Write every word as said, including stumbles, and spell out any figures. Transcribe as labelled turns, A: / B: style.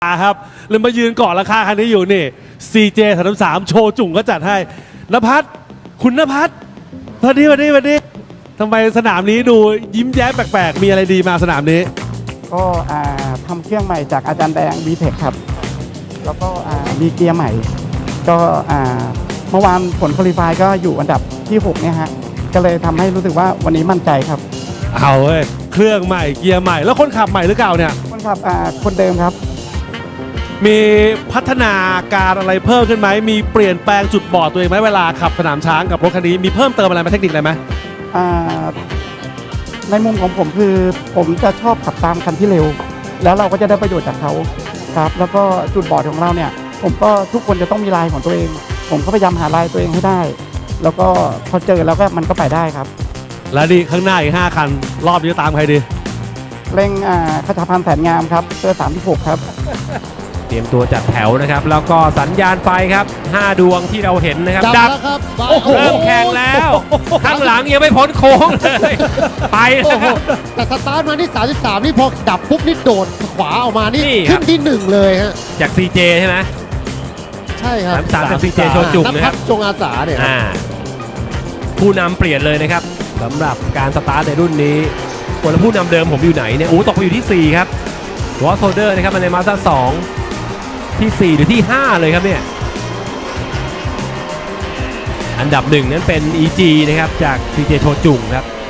A: ครับเลยมายืนเกาะราคาคันนี้อยู่นี่ ซี เจ สามสามโชว์จุ่งก็จัดให้ณภัทรคุณณภัทรสวัสดีสวัสดีสวัสดีทำไมสนามนี้ดูยิ้มแย้มแปลกๆมีอะไรดีมาสนามนี้
B: ก็ทำเครื่องใหม่จากอาจารย์แดง วี เทค ครับแล้วก็มีเกียร์ใหม่ก็เมื่อวานผลคุริฟายก็อยู่อันดับที่หกเนี่ยฮะก็เลยทำให้รู้สึกว่าวันนี้มั่นใจครับ
A: เอาเว้ยเครื่องใหม่เกียร์ใหม่แล้วคนขับใหม่หรือเก่าเนี่ย
B: คนขับคนเดิมครับ
A: มีพัฒนาการอะไรเพิ่มขึ้นไหมมีเปลี่ยนแปลงจุดบอดตัวเองไหมเวลาขับสนามช้างกับรถคันนี้มีเพิ่มเติมอะไรไหมเทคนิคอะไรไหม
B: ในมุมของผมคือผมจะชอบขับตามคันที่เร็วแล้วเราก็จะได้ประโยชน์จากเขาครับแล้วก็จุดบอดของเราเนี่ยผมก็ทุกคนจะต้องมีลายของตัวเองผมก็พยายามหาลายตัวเองให้ได้แล้วก็พอเจอแล้วก็มันก็ไปได้ครับ
A: แล้วดีข้างหน้าอีกห้าคันรอบนี้ตามใครดี
B: เร่งขจรพันธ์แสนงามครับเสื้อสามที่หกครับ
C: เตรียมตัวจัดแถวนะครับแล้วก็สัญญาณไฟครับห้าดวงที่เราเห็นนะครับ
D: ดับแล้วครับ
C: เริ่มแข่งแล้วข้างหลังยังไม่พ้นโค้งเลยไปแล้วครับ
D: แต่สตาร์ทมาที่สามสิบสามนี่พอดับปุ๊บนี่โดดขวาออกมานี่ขึ้นที่หนึ่งเลยฮะ
C: จาก ซี เจ ใช่ไหม
D: ใช่ครับ
C: สามจาก ซี เจ โชจุ่งนะครับ
D: จงอาสาเนี่ย
C: ผู้นำเปลี่ยนเลยนะครับสำหรับการสตาร์ทในรุ่นนี้คนละผู้นำเดิมผมอยู่ไหนเนี่ยโอ้ตกไปอยู่ที่สี่ครับวอสโซเดอร์นะครับมาในมาสด้าสองที่สี่หรือที่ห้าเลยครับเนี่ยอันดับหนึ่งนั้นเป็น อี จี นะครับจาก ซี เจ โชจุ่งครับ